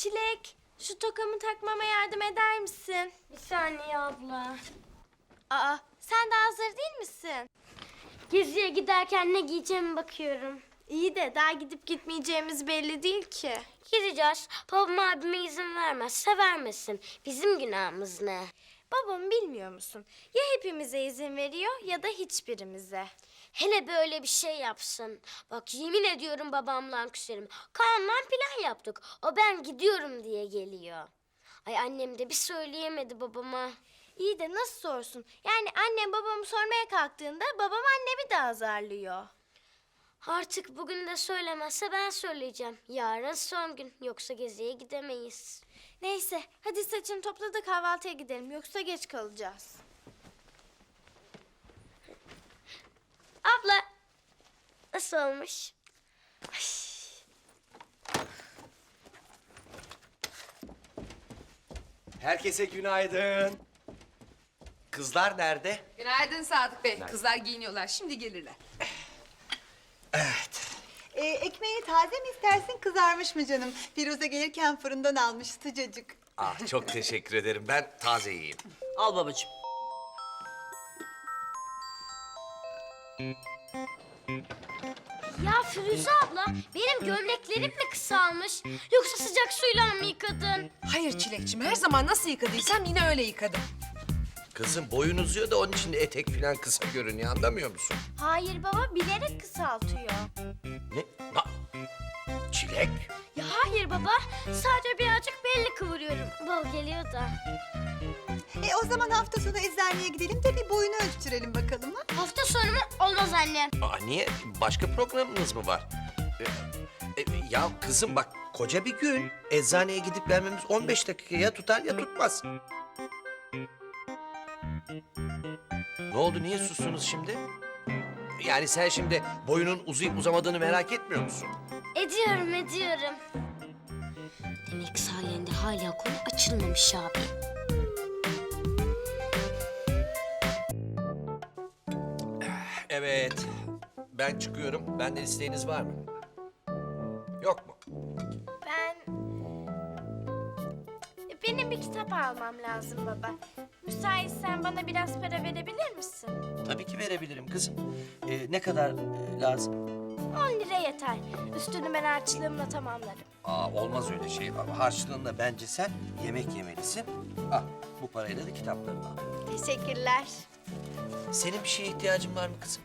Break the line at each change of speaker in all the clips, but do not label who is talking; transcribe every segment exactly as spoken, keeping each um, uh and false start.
Çilek, şu tokamı takmama yardım eder misin?
Bir saniye abla.
Aa, sen de hazır değil misin?
Geziye giderken ne giyeceğime bakıyorum.
İyi de daha gidip gitmeyeceğimiz belli değil ki.
Gideceğiz. Babam abime izin vermezse vermesin. Bizim günahımız ne?
Babam bilmiyor musun? Ya hepimize izin veriyor ya da hiçbirimize.
Hele böyle bir şey yapsın. Bak yemin ediyorum babamla küserim. Kaan'la plan yaptık. O ben gidiyorum diye geliyor. Ay annem de bir söyleyemedi babama.
İyi de nasıl sorsun? Yani annem babamı sormaya kalktığında babam annemi de azarlıyor.
Artık bugün de söylemezse ben söyleyeceğim. Yarın son gün. Yoksa geziye gidemeyiz.
Neyse, hadi saçını topla da kahvaltıya gidelim. Yoksa geç kalacağız.
Abla nasıl olmuş?
Herkese günaydın. Kızlar nerede?
Günaydın Sadık Bey. Kızlar giyiniyorlar. Şimdi gelirler.
Evet.
Ee, ekmeğini taze mi istersin, kızarmış mı canım? Firuze gelirken fırından almış, sıcacık.
Ah, çok teşekkür ederim. Ben taze yiyeyim.
Al babacığım.
Ya Firuze abla benim gömleklerim mi kısalmış? Yoksa sıcak suyla mı yıkadın?
Hayır Çilekçim. Her zaman nasıl yıkadıysam yine öyle yıkadım.
Kızım boyun uzuyor da onun için de etek falan kısa görünüyor. Anlamıyor musun?
Hayır baba, bilerek kısaltıyor.
Ne? Na? Çilek.
Ya hayır baba. Sadece birazcık belli kıvırıyorum. Bal geliyor da.
E o zaman hafta sonu eczaneye gidelim de bir boyunu ölçtürelim bakalım ha.
Hafta sonu mu? Olmaz anne.
Aa, niye? Başka programınız mı var? Ee, e, ya kızım bak koca bir gün. Eczaneye gidip gelmemiz on beş dakika ya tutar ya tutmaz. Ne oldu? Niye sustunuz şimdi? Yani sen şimdi boyunun uzayıp uzamadığını merak etmiyor musun?
Ediyorum ediyorum. Demek sayende hala konu açılmamış abi.
Evet. Ben çıkıyorum. Benden isteğiniz var mı? Yok mu?
Ben... Benim bir kitap almam lazım baba. Müsaitsen bana biraz para verebilir misin?
Tabii ki verebilirim kızım. Ee, ne kadar e, lazım?
On lira yeter. Üstünü ben harçlığımla tamamlarım.
Aa, olmaz öyle şey. Harçlığında bence sen yemek yemelisin. Al, bu parayla da kitaplarını al.
Teşekkürler.
Senin bir şeye ihtiyacın var mı kızım?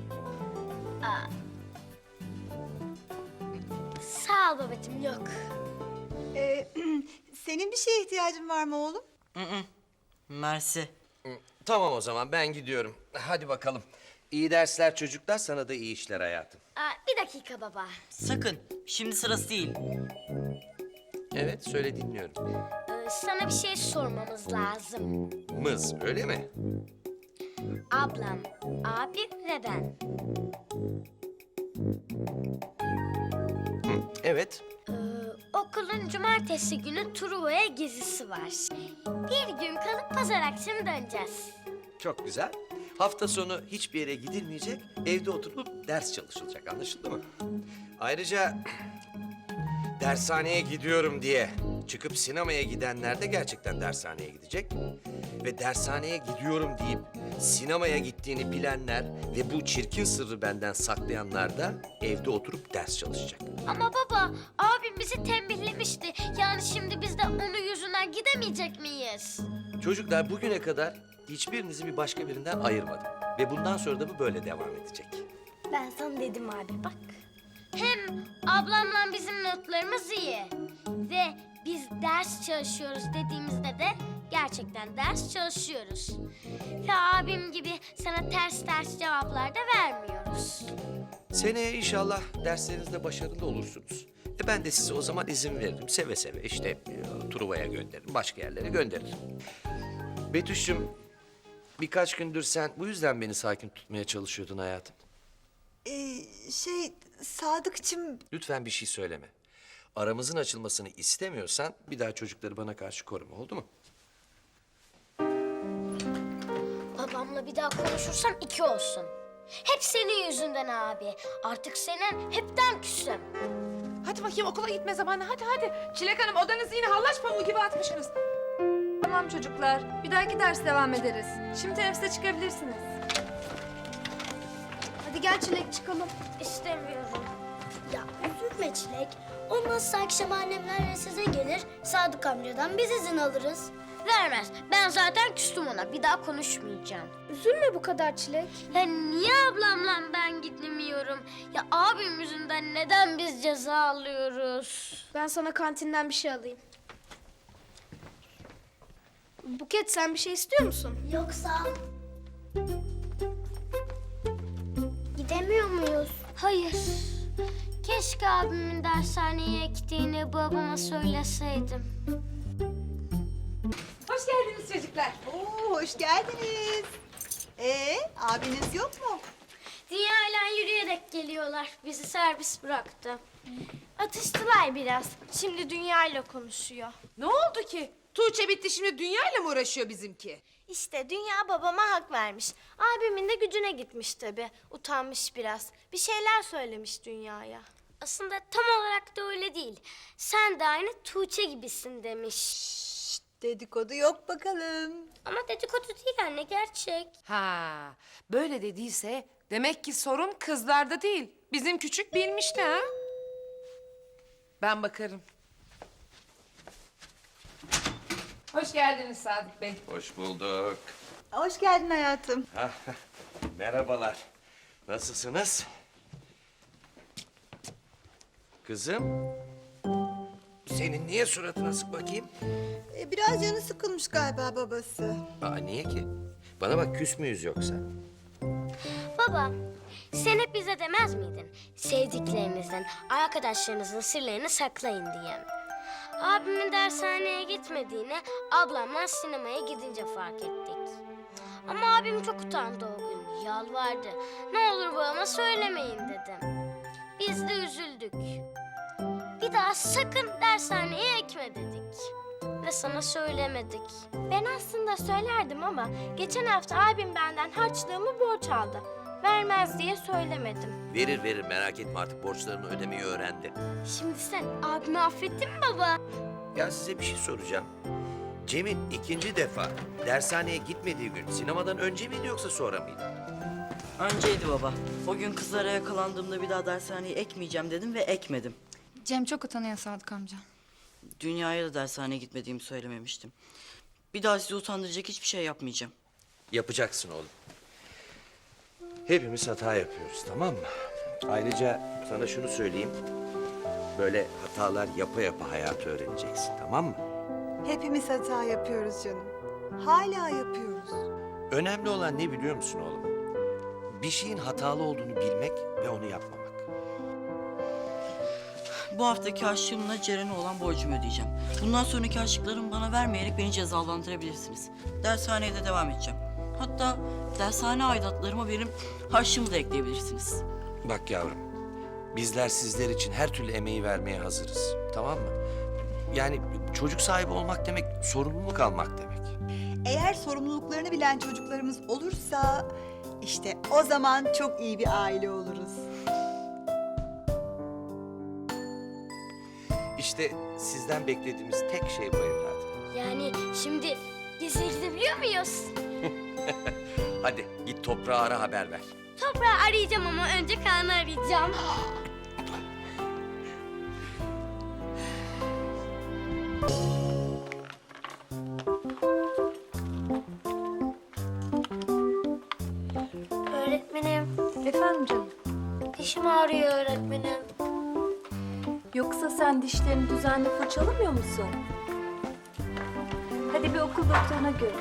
Sağ ol babacığım yok.
Ee, senin bir şeye ihtiyacın var mı oğlum?
Mersi.
Hı, tamam o zaman ben gidiyorum. Hadi bakalım. İyi dersler çocuklar, sana da iyi işler hayatım.
Aa, bir dakika baba.
Sakın. Şimdi sırası değil.
Evet, söyle dinliyorum.
Ee, sana bir şey sormamız lazım.
Mız, öyle mi?
Ablam, abim ve ben.
Hı, evet.
Ee, okulun cumartesi günü Truva'ya gezisi var. Bir gün kalıp pazar akşamı döneceğiz.
Çok güzel. Hafta sonu hiçbir yere gidilmeyecek, evde oturup ders çalışılacak. Anlaşıldı mı? Ayrıca dershaneye gidiyorum diye çıkıp sinemaya gidenler de gerçekten dershaneye gidecek. Ve dershaneye gidiyorum deyip sinemaya gittiğini bilenler ve bu çirkin sırrı benden saklayanlar da evde oturup ders çalışacak.
Ama baba, abim bizi tembihlemişti. Yani şimdi biz de onun yüzünden gidemeyecek miyiz?
Çocuklar bugüne kadar hiçbirinizi bir başka birinden ayırmadım. Ve bundan sonra da bu böyle devam edecek.
Ben sana dedim abi bak. Hem ablamla bizim notlarımız iyi. Ve biz ders çalışıyoruz dediğimizde de gerçekten ders çalışıyoruz. Ve abim gibi sana ters ters cevaplar da vermiyoruz.
Seneye inşallah derslerinizde başarılı olursunuz. E ben de size o zaman izin veririm. Seve seve işte e, Truva'ya gönderirim, başka yerlere gönderirim. Betüş'üm, birkaç gündür sen bu yüzden beni sakin tutmaya çalışıyordun hayatım.
Ee, şey, Sadıkçım...
Lütfen bir şey söyleme. Aramızın açılmasını istemiyorsan bir daha çocukları bana karşı koruma, oldu mu?
Babamla bir daha konuşursam iki olsun. Hep senin yüzünden abi. Artık senin hepten küsüm.
Hadi bakayım okula gitme zamanı. Hadi hadi. Çilek Hanım odanızı yine hallaç pamuğu gibi atmışsınız.
Tamam çocuklar. Bir dahaki ders devam ederiz. Şimdi teneffüse çıkabilirsiniz. Hadi gel Çilek çıkalım.
İstemiyorum. Ya üzülme Çilek. Olmazsa akşam annemler size gelir. Sadık amcadan biz izin alırız. Vermez. Ben zaten küstüm ona. Bir daha konuşmayacağım.
Üzülme bu kadar Çilek.
Ya niye ablamla ben gitmiyorum? Ya abim yüzünden neden biz ceza alıyoruz?
Ben sana kantinden bir şey alayım. Buket sen bir şey istiyor musun?
Yoksa... Gidemiyor muyuz? Hayır. Keşke abimin dershaneye gittiğini babama söyleseydim.
Hoş geldiniz çocuklar.
Oo, hoş geldiniz. Ee, abiniz yok mu?
Dünyayla yürüyerek geliyorlar. Bizi servis bıraktı.
Atıştılar biraz. Şimdi Dünya ile konuşuyor.
Ne oldu ki? Tuğçe bitti şimdi dünyayla mı uğraşıyor bizimki?
İşte Dünya babama hak vermiş. Abimin de gücüne gitmiş tabii. Utanmış biraz. Bir şeyler söylemiş Dünya'ya.
Aslında tam olarak da öyle değil. Sen de aynı Tuğçe gibisin demiş.
Şşt, dedikodu yok bakalım.
Ama dedikodu değil anne, gerçek.
Ha, böyle dediyse demek ki sorun kızlarda değil. Bizim küçük bilmişti ha. Ben bakarım. Hoş geldiniz Sadık Bey.
Hoş bulduk.
Hoş geldin hayatım.
Merhabalar. Nasılsınız? Kızım. Senin niye suratına sık bakayım?
Ee, biraz canı sıkılmış galiba babası.
Aa, niye ki? Bana bak, küs müyüz yoksa?
Baba, sen hep bize demez miydin? Sevdiklerinizden, arkadaşlarınızın sırlarını saklayın diye. Abimin dershaneye gitmediğini ablamla sinemaya gidince fark ettik. Ama abim çok utandı o gün, yalvardı. Ne olur babama söylemeyin dedim. Biz de üzüldük. Bir daha sakın dershaneye ekme dedik. Ve sana söylemedik.
Ben aslında söylerdim ama geçen hafta abim benden harçlığımı borç aldı. Vermez diye söylemedim.
Verir verir, merak etme, artık borçlarını ödemeyi öğrendi.
Şimdi sen abimi affettin mi baba?
Ya size bir şey soracağım. Cem'in ikinci defa dershaneye gitmediği gün sinemadan önce miydi yoksa sonra mıydı?
Önceydi baba. O gün kızlara yakalandığımda bir daha dershaneye ekmeyeceğim dedim ve ekmedim.
Cem çok utanıyor Sadık amca.
Dünyaya da dershaneye gitmediğimi söylememiştim. Bir daha sizi utandıracak hiçbir şey yapmayacağım.
Yapacaksın oğlum. Hepimiz hata yapıyoruz, tamam mı? Ayrıca sana şunu söyleyeyim. Böyle hatalar yapa yapa hayatı öğreneceksin, tamam mı?
Hepimiz hata yapıyoruz canım. Hala yapıyoruz.
Önemli olan ne biliyor musun oğlum? Bir şeyin hatalı olduğunu bilmek ve onu yapmamak.
Bu haftaki harçlığımla Ceren'e olan borcumu ödeyeceğim. Bundan sonraki harçlıklarımı bana vermeyerek beni cezalandırabilirsiniz. Dershaneye de devam edeceğim. Hatta dershane aidatlarıma benim harçlığımı da ekleyebilirsiniz.
Bak yavrum, bizler sizler için her türlü emeği vermeye hazırız, tamam mı? Yani çocuk sahibi olmak demek, sorumluluk almak demek.
Eğer sorumluluklarını bilen çocuklarımız olursa... işte o zaman çok iyi bir aile oluruz.
İşte sizden beklediğimiz tek şey bu evladım.
Yani şimdi geziye gidebiliyor muyuz?
Hadi git toprağa ara, haber ver.
Toprağı arayacağım ama önce Kaan'ı arayacağım. Öğretmenim,
Efendim canım.
dişim ağrıyor öğretmenim.
Yoksa sen dişlerini düzenli fırçalamıyor musun? Hadi bir okul doktoruna gör.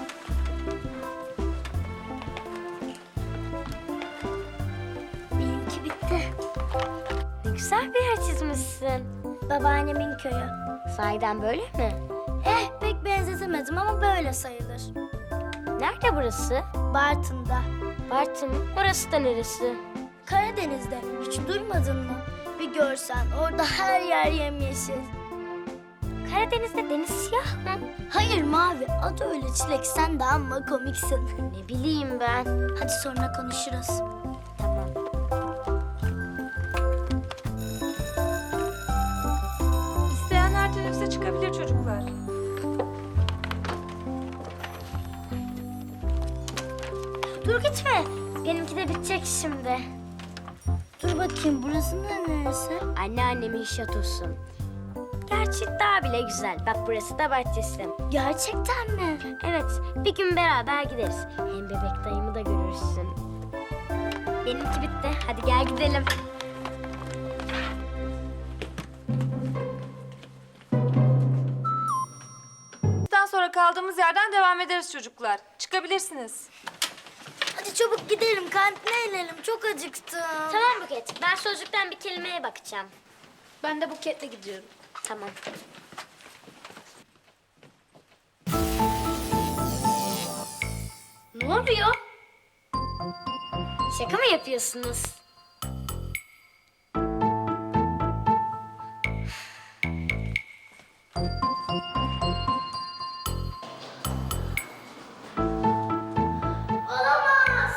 Benimki bitti. Ne güzel bir yer çizmişsin. Babaannemin köyü. Sahiden böyle mi? Eh pek benzetemedim ama böyle sayılır. Nerede burası? Bartın'da. Bartın mı? Orası da neresi? Karadeniz'de. Hiç duymadın mı? Bir görsen orada her yer yemyeşil. Karadeniz'de deniz siyah mı? Hayır mavi. Adı öyle Çilek. Sen de amma komiksin. Ne bileyim ben. Hadi sonra konuşuruz. Tamam.
çıkabilir çocuklar.
Dur gitme. Benimki de bitecek şimdi. Dur bakayım burası neresi? Anneannemin şatosu. Gerçi daha bile güzel. Bak burası da bahçesi. Gerçekten mi? Evet. Bir gün beraber gideriz. Hem bebek dayımı da görürsün. Benimki bitti. Hadi gel gidelim.
Daha sonra kaldığımız yerden devam ederiz çocuklar. Çıkabilirsiniz.
Hadi çabuk gidelim. Kantine inelim. Çok acıktım. Tamam Buket. Ben sözlükten bir kelimeye bakacağım.
Ben de Buket'le gidiyorum.
Tamam. Ne oluyor? Şaka mı yapıyorsunuz? Olamaz.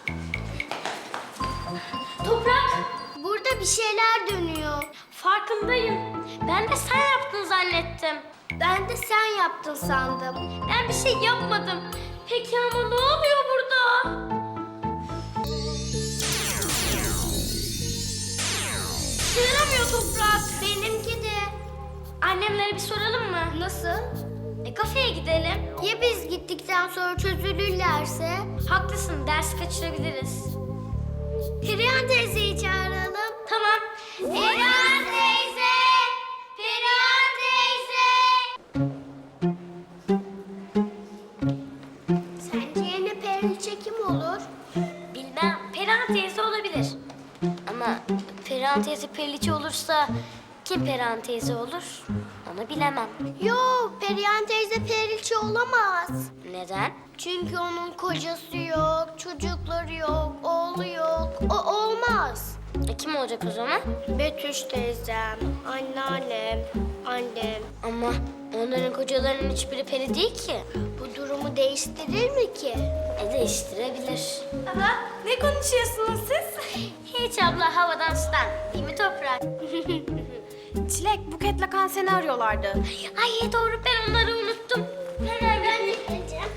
Toprak. Burada bir şeyler dönüyor. Farkındayım. Ben de sen yaptın zannettim. Ben de sen yaptın sandım. Ben bir şey yapmadım. Peki ama ne oluyor burada? Sığıramıyor Toprak. Benimki de. Annemlere bir soralım mı? Nasıl? E kafeye gidelim. Ya biz gittikten sonra çözülürlerse? Haklısın, ders kaçırabiliriz. Perihan teyzeyi çağıralım. Tamam. Perihan teyze! Perihan teyze! Sence yeni Perihan kim olur? Bilmem. Perihan teyze olabilir. Ama Perihan teyze Periliçe olursa kim Perihan teyze olur? Onu bilemem. Yok, Perihan teyze Periliçe olamaz. Neden? Çünkü onun kocası yok, çocukları yok, oğlu yok. O olmaz. E kim olacak o zaman? Betüş teyzem, anneannem, annem. Ama onların kocalarının hiçbiri peri değil ki. Bu durumu değiştirir mi ki? E değiştirebilir.
Baba, ne konuşuyorsunuz siz?
Hiç abla havadan sudan. Değil mi Toprak?
Çilek, Buket'le kan seni arıyorlardı.
Ay doğru ben onları unuttum. Hemen ben de gideceğim.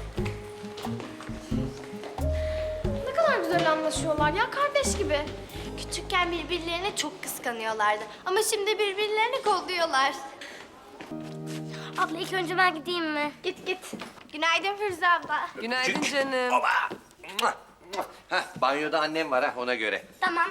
Ne kadar güzel anlaşıyorlar ya, kardeş gibi. Küçükken birbirlerini çok kıskanıyorlardı. Ama şimdi birbirlerini kolluyorlar.
Abla ilk önce ben gideyim mi?
Git git. Günaydın Firuze abla.
Günaydın canım.
Baba. Mua, mua. Heh, banyoda annem var ha ona göre.
Tamam.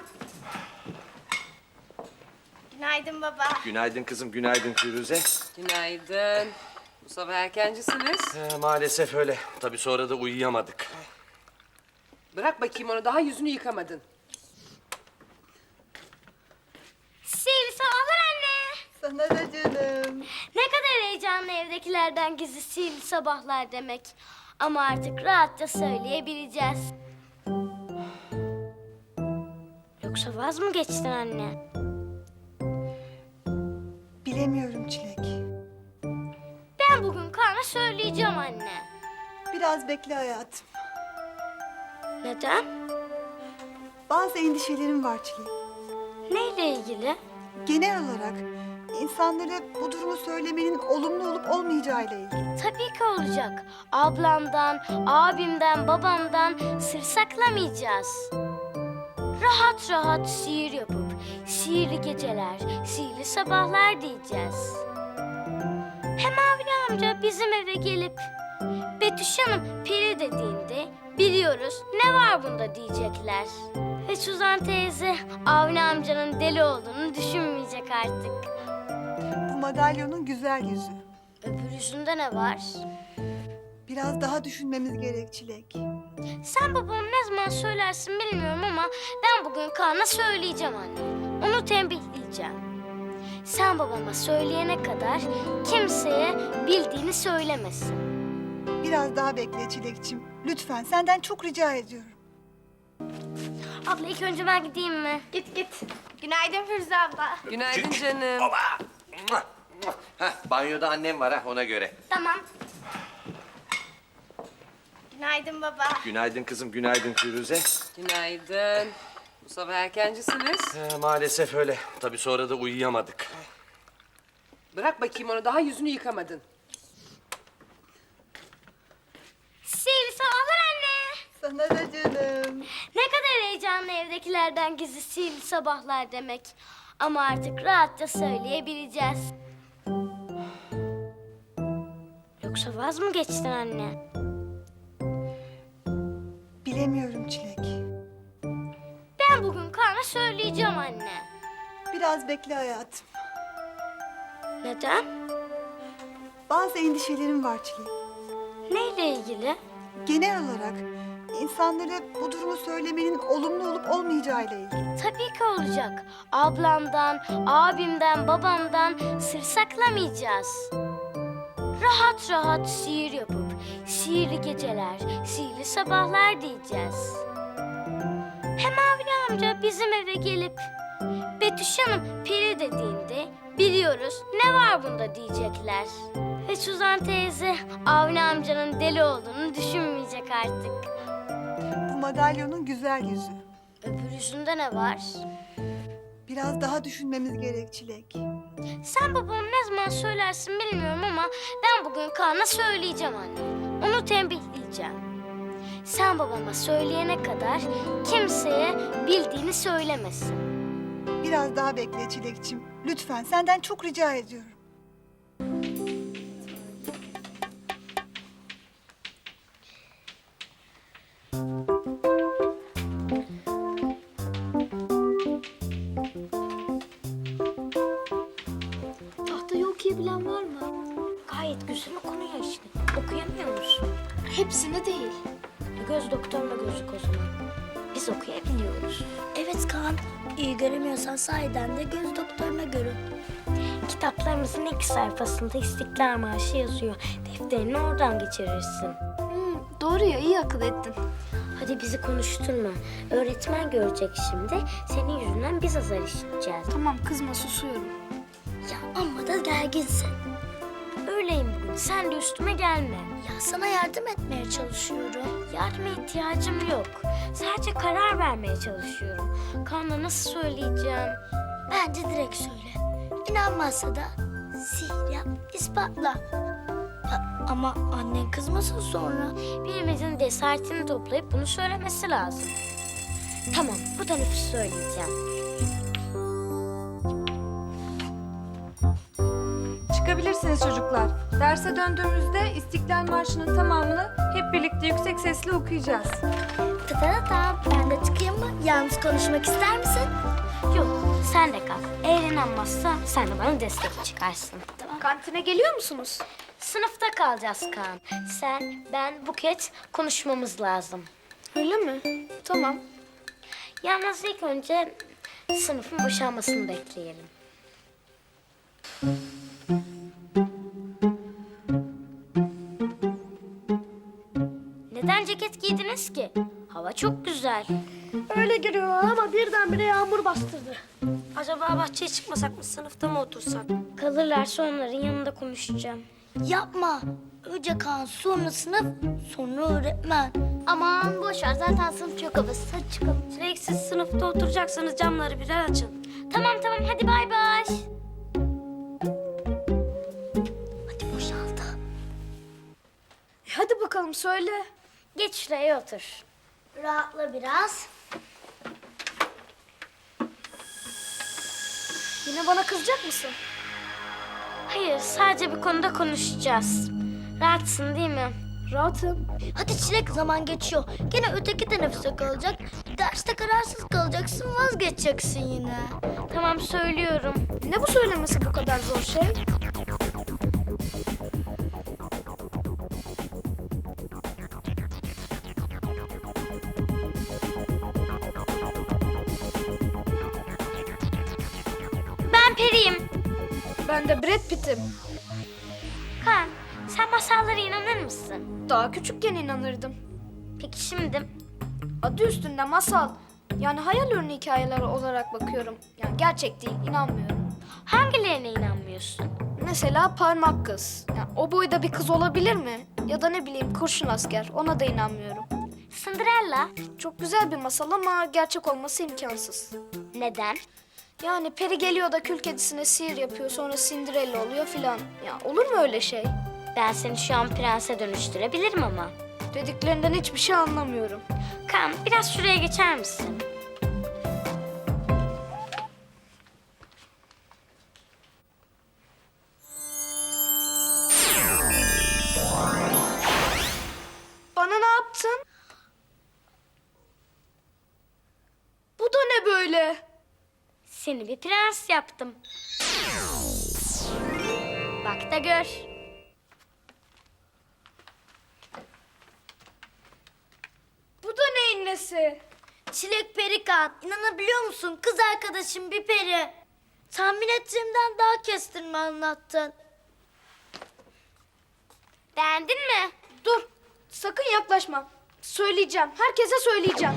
Günaydın baba.
Günaydın kızım, günaydın Firuze.
Günaydın. Bu sabah erkencisiniz.
Ee, maalesef öyle. Tabii sonra da uyuyamadık.
Bırak bakayım onu, daha yüzünü yıkamadın.
Sihirli sabahlar anne.
Sana da canım.
Ne kadar heyecanlı evdekilerden gizli sihirli sabahlar demek. Ama artık rahatça söyleyebileceğiz. Yoksa vaz mı geçtin anne?
Bilemiyorum Çilek.
Ben bugün Kaan'a söyleyeceğim anne.
Biraz bekle hayatım.
Neden?
Bazı endişelerim var Çilek.
Neyle ilgili?
Genel olarak insanlara bu durumu söylemenin olumlu olup olmayacağıyla ilgili.
Tabii ki olacak. Ablamdan, abimden, babamdan sır saklamayacağız. Rahat rahat sihir yapıp sihirli geceler, sihirli sabahlar diyeceğiz. Hem Avni amca bizim eve gelip Betüş Hanım peri dediğinde biliyoruz ne var bunda diyecekler. Ve Suzan teyze Avni amcanın deli olduğunu düşünmeyecek artık.
Bu madalyonun güzel yüzü.
Öbür yüzünde ne var?
Biraz daha düşünmemiz gerek Çilek.
Sen babama ne zaman söylersin bilmiyorum ama ben bugün Kaan'a söyleyeceğim anne. Onu tembihleyeceğim. Sen babama söyleyene kadar kimseye bildiğini söylemesin.
Biraz daha bekle Çilekçim. Lütfen senden çok rica ediyorum.
Abla ilk önce ben gideyim mi?
Git git. Günaydın Firuze abla.
Günaydın canım.
Baba. Mua, mua. Heh, banyoda annem var ha ona göre.
Tamam.
Günaydın baba.
Günaydın kızım, günaydın Firuze.
Günaydın. Bu sabah erkencisiniz.
Ee, maalesef öyle. Tabii sonra da uyuyamadık.
Bırak bakayım onu, daha yüzünü yıkamadın.
Sihirli sabahlar anne.
Sana da canım.
Ne kadar heyecanlı evdekilerden gizli sihirli sabahlar demek. Ama artık rahatça söyleyebileceğiz. Yoksa vaz mı geçtin anne?
Bilemiyorum Çilek.
Ben bugün Kaan'a söyleyeceğim anne.
Biraz bekle hayatım.
Neden?
Bazı endişelerim var Çilek.
Neyle ilgili?
Genel olarak insanlara bu durumu söylemenin olumlu olup olmayacağıyla ilgili.
Tabii ki olacak. Ablamdan, abimden, babamdan sır saklamayacağız. Rahat rahat sihir yapıp sihirli geceler, sihirli sabahlar diyeceğiz. Hem Avni amca bizim eve gelip Betüş Hanım peri dediğinde biliyoruz ne var bunda diyecekler. Ve Suzan teyze Avni amcanın deli olduğunu düşünmeyecek artık.
Bu madalyonun güzel yüzü.
Öbür yüzünde ne var?
Biraz daha düşünmemiz gerek Çilek.
Sen babama ne zaman söylersin bilmiyorum ama ben bugün Kaan'a söyleyeceğim anne. Onu tembihleyeceğim. Sen babama söyleyene kadar kimseye bildiğini söylemesin.
Biraz daha bekle Çilekçim. Lütfen senden çok rica ediyorum.
Tahtayı okuyabilen var mı?
Gayet güzel okunuyor işte. Okuyamıyor musun?
Hepsini değil.
Göz doktoruna gözük o zaman. Biz okuyabiliyoruz.
Evet Kaan, iyi göremiyorsan sahiden de göz doktoruna görün.
Kitaplarımızın ilk sayfasında İstiklal Marşı yazıyor. Defterini oradan geçirirsin.
Hmm, doğru ya, iyi akıl ettin.
Hadi bizi konuşturma. Öğretmen görecek şimdi. Senin yüzünden biz azar işiteceğiz.
Tamam, kızma, susuyorum.
Ya amma da gerginsin.
Öyleyim bugün. Sen de üstüme gelme.
Ya sana yardım etmeye çalışıyorum.
Yardıma ihtiyacım yok. Sadece karar vermeye çalışıyorum. Kaan'a nasıl söyleyeceğim?
Bence direkt söyle. İnanmazsa da sihir yap, ispatla. Ya, ama annen kızmasın sonra.
Birimizin cesaretini toplayıp bunu söylemesi lazım. Tamam, bu teneffüs söyleyeceğim.
Çıkabilirsiniz çocuklar. Derse döndüğümüzde İstiklal Marşı'nın tamamını hep birlikte yüksek sesle okuyacağız.
Tıkırata, ben de çıkayım mı? Yalnız konuşmak ister misin?
Yok, sen de kal. Eğer inanmazsa sen de bana destek çıkarsın. Tamam.
Kantine geliyor musunuz?
Sınıfta kalacağız Kaan. Sen, ben, Buket konuşmamız lazım.
Öyle mi? Tamam.
Yalnız ilk önce sınıfın boşalmasını bekleyelim. Neden ceket giydiniz ki? Hava çok güzel.
Öyle giriyor ama birdenbire yağmur bastırdı.
Acaba bahçeye çıkmasak mı, sınıfta mı otursak? Kalırlarsa onların yanında konuşacağım.
Yapma. Önce Kaan, sonra sınıf, sonra öğretmen.
Aman boş ver, zaten sınıf çok havasız. Hadi çıkalım. Sürekli siz sınıfta oturacaksanız camları birer açın. Tamam tamam, hadi bay bay.
Hadi boşaldı.
E hadi bakalım, söyle.
Geç şuraya otur.
Rahatla biraz.
Yine bana kızacak mısın?
Hayır, sadece bir konuda konuşacağız. Rahatsın değil mi?
Rahatım.
Hadi Çilek, zaman geçiyor. Gene öteki teneffüse kalacak. Derste kararsız kalacaksın, vazgeçeceksin yine.
Tamam, söylüyorum.
Ne bu söylemesi bu kadar zor şey?
Ben periyim.
Ben de Brad Pitt'im.
Kaan, sen masallara inanır mısın?
Daha küçükken inanırdım.
Peki şimdi?
Adı üstünde masal. Yani hayal ürünü hikayeleri olarak bakıyorum. Yani gerçek değil, inanmıyorum.
Hangilerine inanmıyorsun?
Mesela parmak kız. Yani o boyda bir kız olabilir mi? Ya da ne bileyim kurşun asker. Ona da inanmıyorum.
Cinderella.
Çok güzel bir masal ama gerçek olması imkansız.
Neden?
Yani peri geliyor da kül kedisine sihir yapıyor, sonra Cinderella oluyor filan. Ya olur mu öyle şey?
Ben seni şu an prense dönüştürebilirim ama.
Dediklerinden hiçbir şey anlamıyorum.
Kaan, biraz şuraya geçer misin?
Bana ne yaptın? Bu da ne böyle?
Seni bir prens yaptım. Bak da gör.
Bu da neyin nesi?
Çilek peri Kaan. İnanabiliyor musun? Kız arkadaşım bir peri. Tahmin ettiğimden daha kestirme anlattın.
Beğendin mi?
Dur, sakın yaklaşma. Söyleyeceğim, herkese söyleyeceğim.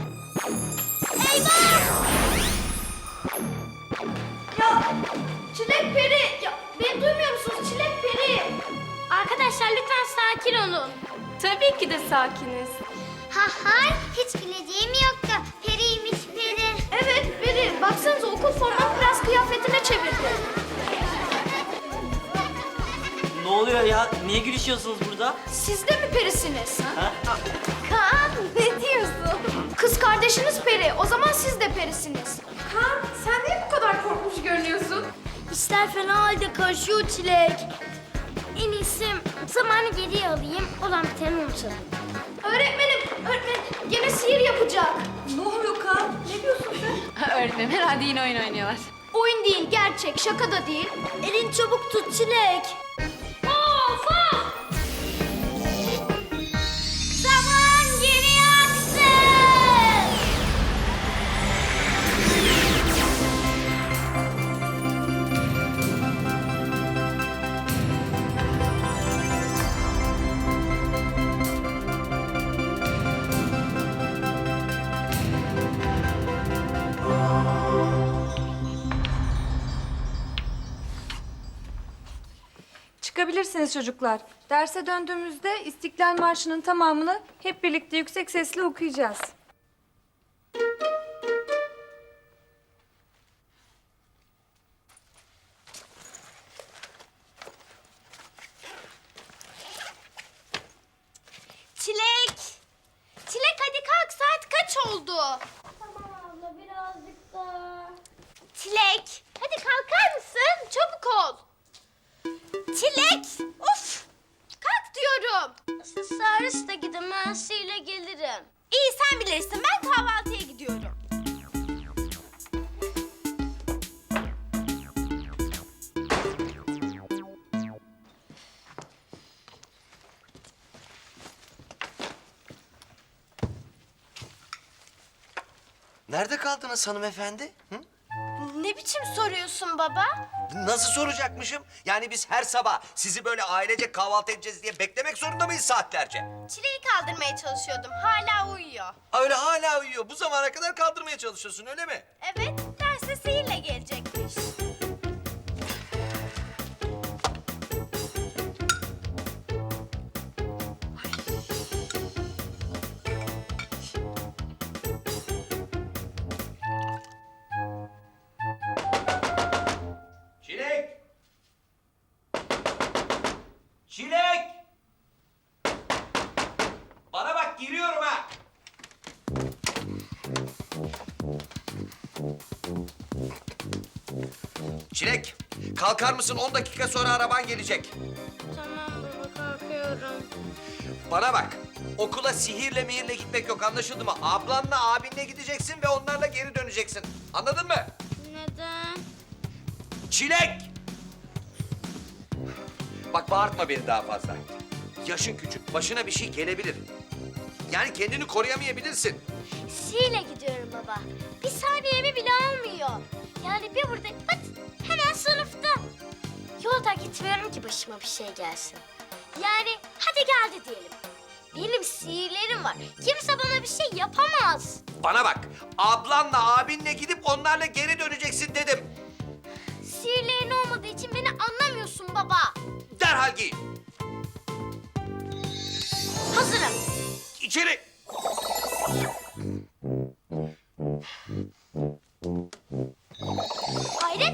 Ya Çilek peri, ya beni duymuyor musunuz? Çilek peri.
Arkadaşlar lütfen sakin olun.
Tabii ki de sakiniz.
Ha hay, hiç bileceğim yoktu. Periymiş peri.
Evet peri, baksanıza okul formanı prens kıyafetine çevirdi.
Ne oluyor ya? Niye gülüşüyorsunuz burada?
Siz de mi perisiniz?
Ha?
Kaan ne diyorsun? Kız kardeşiniz peri, o zaman siz de perisiniz. Kaan sen niye bu kadar korkmuş görünüyorsun?
İşler fena halde karışıyor Çilek.
En iyisi zamanı geriye alayım, olan biteni unutalım.
Öğretmenim, öğretmenim gene sihir yapacak.
Ne oluyor Kaan? Ne diyorsun sen? Öğretmenim herhalde yine oyun oynuyorlar.
Oyun değil, gerçek, şaka da değil.
Elin çabuk tut Çilek.
Of of! Zaman geriye aksın!
Çıkabilirsiniz çocuklar. Derse döndüğümüzde İstiklal Marşı'nın tamamını hep birlikte yüksek sesle okuyacağız.
Çilek! Çilek hadi kalk, saat kaç oldu?
Tamam abla, birazcık daha.
Çilek, hadi kalkar mısın? Çabuk ol. Çilek, of! Kalk diyorum.
Sarıs da gidemezsiyle gelirim.
İyi sen bilirsin, ben kahvaltıya gidiyorum.
Nerede kaldınız hanımefendi? Hı?
Ne biçim soruyorsun baba?
Nasıl soracakmışım? Yani biz her sabah sizi böyle ailece kahvaltı edeceğiz diye beklemek zorunda mıyız saatlerce?
Çileği kaldırmaya çalışıyordum, hala uyuyor.
Ha, öyle hala uyuyor. Bu zamana kadar kaldırmaya çalışıyorsun öyle mi?
Evet, derse sihirle gelecekmiş.
Çilek! Çilek! Bana bak giriyorum ha! Çilek, kalkar mısın? On dakika sonra araban gelecek.
Tamam baba, kalkıyorum.
Bana bak, okula sihirle mihirle gitmek yok anlaşıldı mı? Ablanla abinle gideceksin ve onlarla geri döneceksin. Anladın mı?
Neden?
Çilek! Bak bağırtma beni daha fazla. Yaşın küçük, başına bir şey gelebilir. Yani kendini koruyamayabilirsin.
Sihirle gidiyorum baba. Bir saniyemi bile almıyor. Yani bir buradayım, pat, hemen sınıfta. Yolda gitmiyorum ki başıma bir şey gelsin. Yani hadi geldi diyelim. Benim sihirlerim var. Kimse bana bir şey yapamaz.
Bana bak, ablanla abinle gidip onlarla geri döneceksin dedim.
Sihirlerin olmadığı için beni anlamıyorsun baba.
Derhal giy.
Hazırım.
İçeri.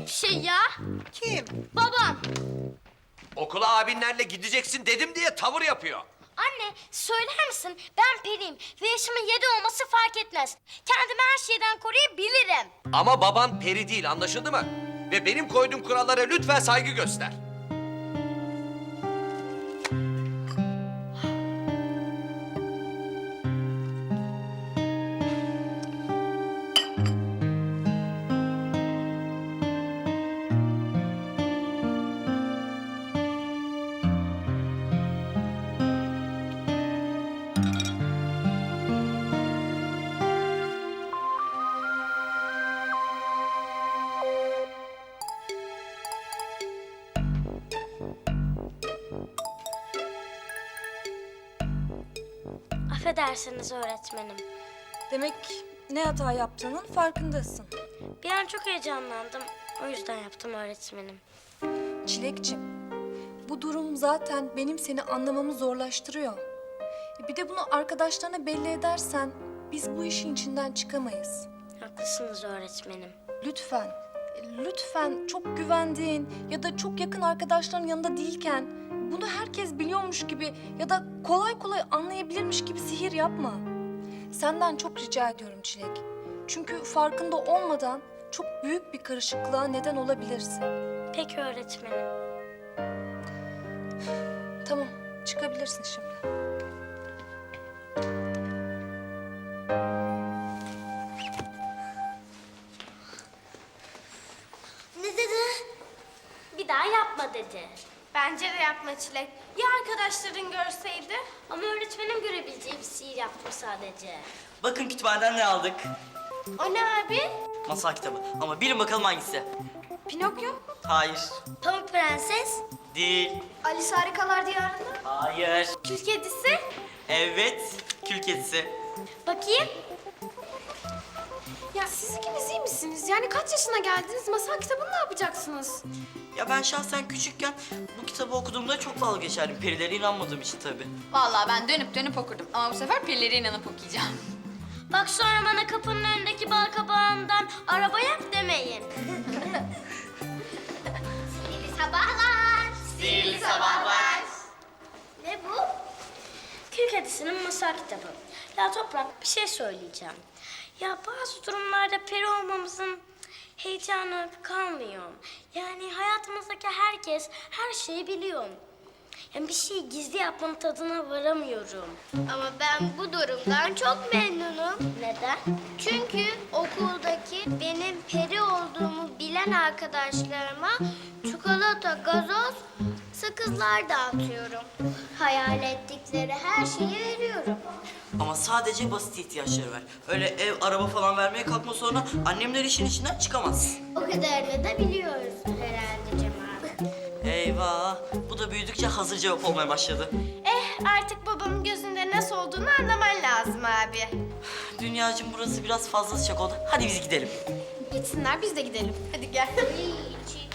Şey ya,
Kim?
babam.
Okula abinlerle gideceksin dedim diye tavır yapıyor.
Anne, söyler misin? Ben periyim ve yaşımın yedi olması fark etmez. Kendimi her şeyden koruyabilirim.
Ama baban peri değil, anlaşıldı mı? Ve benim koyduğum kurallara lütfen saygı göster.
Affedersiniz öğretmenim.
Demek ne hata yaptığının farkındasın.
Bir an çok heyecanlandım. O yüzden yaptım öğretmenim.
Çilekçim, bu durum zaten benim seni anlamamı zorlaştırıyor. Bir de bunu arkadaşlarına belli edersen biz bu işin içinden çıkamayız.
Haklısınız öğretmenim.
Lütfen, lütfen çok güvendiğin ya da çok yakın arkadaşların yanında değilken bunu herkes biliyormuş gibi ya da kolay kolay anlayabilirmiş gibi sihir yapma. Senden çok rica ediyorum Çilek. Çünkü farkında olmadan çok büyük bir karışıklığa neden olabilirsin.
Peki öğretmenim.
Tamam, çıkabilirsin şimdi.
Ne dedi? Bir daha yapma dedi.
Bence de yapma Çilek. Ya arkadaşların görseydi?
Ama öğretmenim görebileceği bir sihir yaptım sadece.
Bakın kütüphaneden ne aldık?
O ne abi?
Masal kitabı. Ama bilin bakalım hangisi?
Pinokyo.
Hayır.
Pamuk Prenses.
Değil.
Alice Harikalar Diyarı'nda.
Hayır.
Kül Kedisi.
Evet. Kül kedisi.
Bakayım.
Ya siz ikiniz iyi misiniz? Yani kaç yaşına geldiniz? Masal kitabını ne yapacaksınız?
Ya ben şahsen küçükken bu kitabı okuduğumda çok dalga geçerdim. Perilere inanmadığım için tabii.
Vallahi ben dönüp dönüp okurdum ama bu sefer perilere inanıp okuyacağım.
Bak sonra bana kapının önündeki bal kabağından araba yap demeyin. Sihirli sabahlar.
Sihirli sabahlar.
Ne bu? Kül Kedisi'nin masal kitabı. Ya Toprak bir şey söyleyeceğim. Ya bazı durumlarda peri olmamızın heyecanı kalmıyor. Yani hayatımızdaki herkes her şeyi biliyor. Yani bir şeyi gizli yapmanın tadına varamıyorum.
Ama ben bu durumdan çok memnunum.
Neden?
Çünkü okuldaki benim peri olduğumu bilen arkadaşlarıma çikolata, gazoz, sakızlar dağıtıyorum. Hayal ettikleri her şeyi veriyorum.
Ama sadece basit ihtiyaçları ver. Öyle ev, araba falan vermeye kalkma, sonra annemler işin içinden çıkamaz.
O kadarını da biliyoruz herhalde Cemal.
Eyvah. Bu da büyüdükçe hazır cevap olmaya başladı.
Eh artık babamın gözünde nasıl olduğunu anlaman lazım abi.
Dünyacığım burası biraz fazla sıcak oldu. Hadi biz gidelim.
Gitsinler biz de gidelim. Hadi gel.
İyi,